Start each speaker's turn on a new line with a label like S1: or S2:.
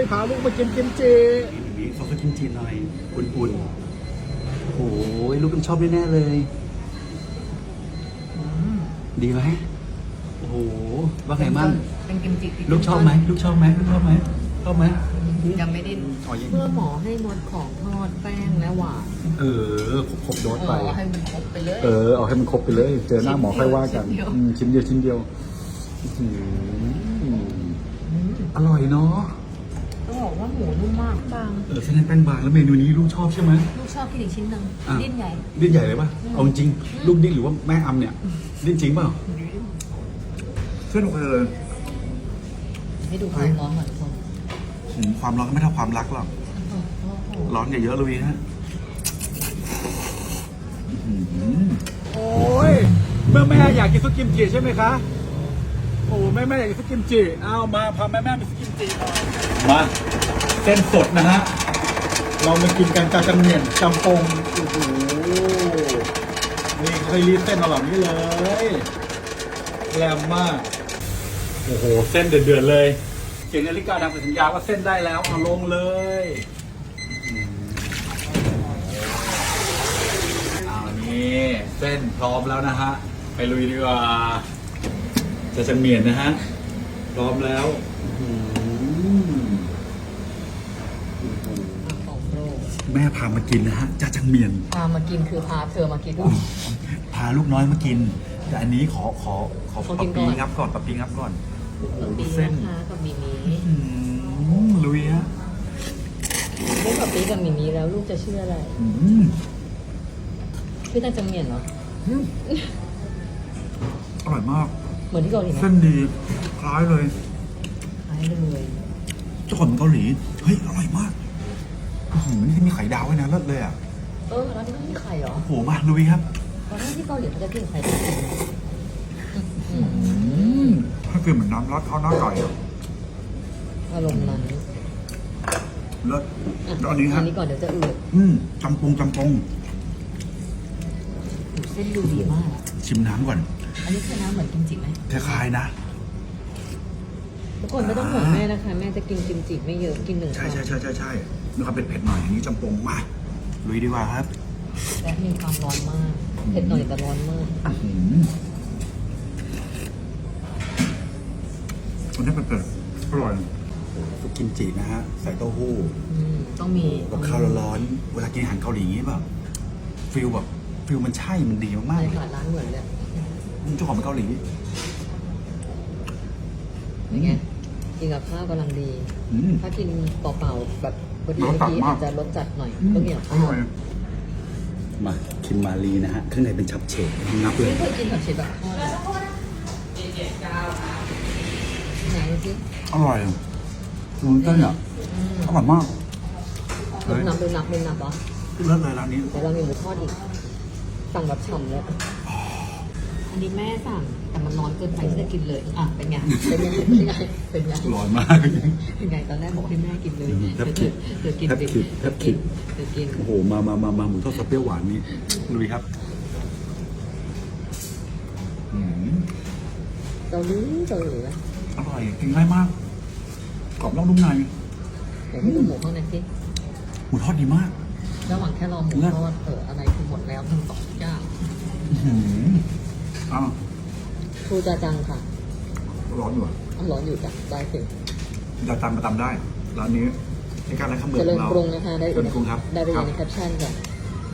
S1: พาลูกมากินกิมจินี่ขอกิมจิหน่อยอุ่นๆโอ้ยลูกต้องชอบแน่ๆเลยดีไหมโอ้โหว่าไงมั่ง
S2: เป็นกิมจิ
S1: ลูกชอบไหมลูกชอบไหมลูกชอบไหมชอบไหม
S2: ยังไม่ได้เมื่อหมอให้งดของทอดแป้งและหวาน
S1: ครบโดสไป
S2: ให้มันครบไปเลย
S1: เอาให้มันครบไปเลย เจอหน้าหมอค่อยว่ากันชิ้นเดียวอร่อยเนาะ
S2: ต้องบอกว่าหมูนุ่มมากบาง
S1: เส้นแป้งบางแล้วเมนูนี้ลูกชอบใช่ไหม
S2: ลูกชอบกินอีกชิ้นหนึ่งดิ้นใหญ่
S1: ดิ้นใหญ่เลยป่ะเอาจริงลูกดิ้นหรือว่าแม่อำเนี่ยดิ้นจริงเปล่าเส้นโอเคเลย
S2: ให้ดูความร้อนหน่อยคน
S1: ความร้อนก็ไม่เท่าความรักหรอกร้อนอย่าเยอะเลยฮะโอ้ยเมื่อแม่อยากกินซุปกิมจิใช่ไหมคะโอ้แม่อยากกินซุปกิมจิเอามาพาแม่ไปซุปกิมจิมาเส้นสดนะฮะเรามากินกันจาจังเหมียนจำปงโอ้โหนี่เคยรีดเส้นมาแบบนี้เลยแรงมากโอ้โหเส้นเดือดๆเลยเขียนนาฬิกาดังสัญญาว่าเส้นได้แล้วเอาลงเลยเอานี่เส้นพร้อมแล้วนะฮะไปลุยดีกว่าจะจังเหมียนนะฮะพร้อมแล้วแม่พามากินนะฮะจะจังเหมียน
S2: พามากินคือพาเธอมากิน
S1: พาลูกน้อยมากินแต่อันนี้ขอปะปีงับก่อนปะปีงับก่อนโอ้โหดูเส้น
S2: กับมิมิ
S1: ลุยฮะ
S2: ได้กับปีกับมิมิแล้วลูกจะเชื่ออะไรพี่ตั้งจังเหมียนเหรอ
S1: อร่อยมาก
S2: เหมือนที่เกาหลีไหม
S1: เส้นดีคล้ายเลยเจ้าของเกาหลีเฮ้ยอร่อยมากนี่ที่มีไข่ดาวไว้นะเลิศเลยอ่ะ
S2: แล้วที่ต้องมีไข่เหรอ
S1: โอ้โหมาลุยครับ
S2: ตอนแรกที่เกาหลีเขาจะกินไข่ดาว
S1: ถ้าเกิดเหมือนน้ำรัดข้าวหน้าไก่
S2: อารมณ์นั้น
S1: เลิศตอนนี้ครับ
S2: อันนี้ก่อนเดี๋ยวจะอืด
S1: จำปง
S2: เส้นดูดีมาก
S1: ชิมน้ำก่อน
S2: อันนี้คือน้ำเหมือนกิมจิไหม
S1: คล้ายๆนะ
S2: ทุกคนไม่ต้องห่วงแม่นะคะแม่จะกินกิมจิไม่เยอะกิน1
S1: ใช่มีความเผ็ดหน่อยอย่างนี้จำปงมาลุยดีกว่าครับ
S2: และมีความร้อนมากเผ็ดหน่อยแต่ร้อนมาก
S1: อันนี้เผ็ดอร่อยซุปกิมจินะฮะใส่เต้าหู้
S2: ต้องมี
S1: กับข้าวร้อนเวลากินอาหารเกาหลีอย่างนี้แบบฟิลมันใช่มันดีมากๆเลย
S2: ร้านเหมือนเลย
S1: เจ้าของเป็นเกาหลี
S2: อย่างเงี้ยกินกับข้าวกำลังดีถ้ากินเปล่าๆแบบบางทีอาจจะรสจัดหน่อยก็เกี่ยว
S1: อร่อยมาคิมมารีนะฮะข้างในเป็นชับเฉดนับเลย
S2: ไม่เคยกินแบบเฉดแบบไหนสิ
S1: อร่อยดูเต้นอ่ะอร่อยมาก
S2: เป็นนับเหรอ
S1: เลิศเลยร้านนี้
S2: แต่เรามีหมูทอดอีกสั่งแบบฉ่ำเลยอันนี้แม่สั่งแต่มันร้อนเกินไปที่จะกินเลยเป็นไง
S1: ร้อนมาก
S2: เป็นไงตอนแรกบอกให้แม่กินเลยเธอกิน
S1: โอ้โหมาหมูทอดซอสเปรี้ยวหวานนี้ลุยครับ
S2: เราลื้อไหม
S1: อร่อยกินง่ายมากกรอบนอกนุ่มใน
S2: แต่ให้ดูหมูข้างในสิ
S1: หมูทอดดีมาก
S2: ระหว่างแค่รอหมูทอดอะไรคือหมดแล้วทั้งสองอย่างครูจาจังค่ะ
S1: ร้อนอยู่
S2: ร้อนอยู่จ้ะได้สิ
S1: จาจังมาตำได้ร้านนี้ในการอะไรคำเบิร์ดของเรา
S2: เจริญกรุงนะคะได้
S1: เจริญกรุงครับ
S2: ได้ไปในแคปชั่นจ้ะ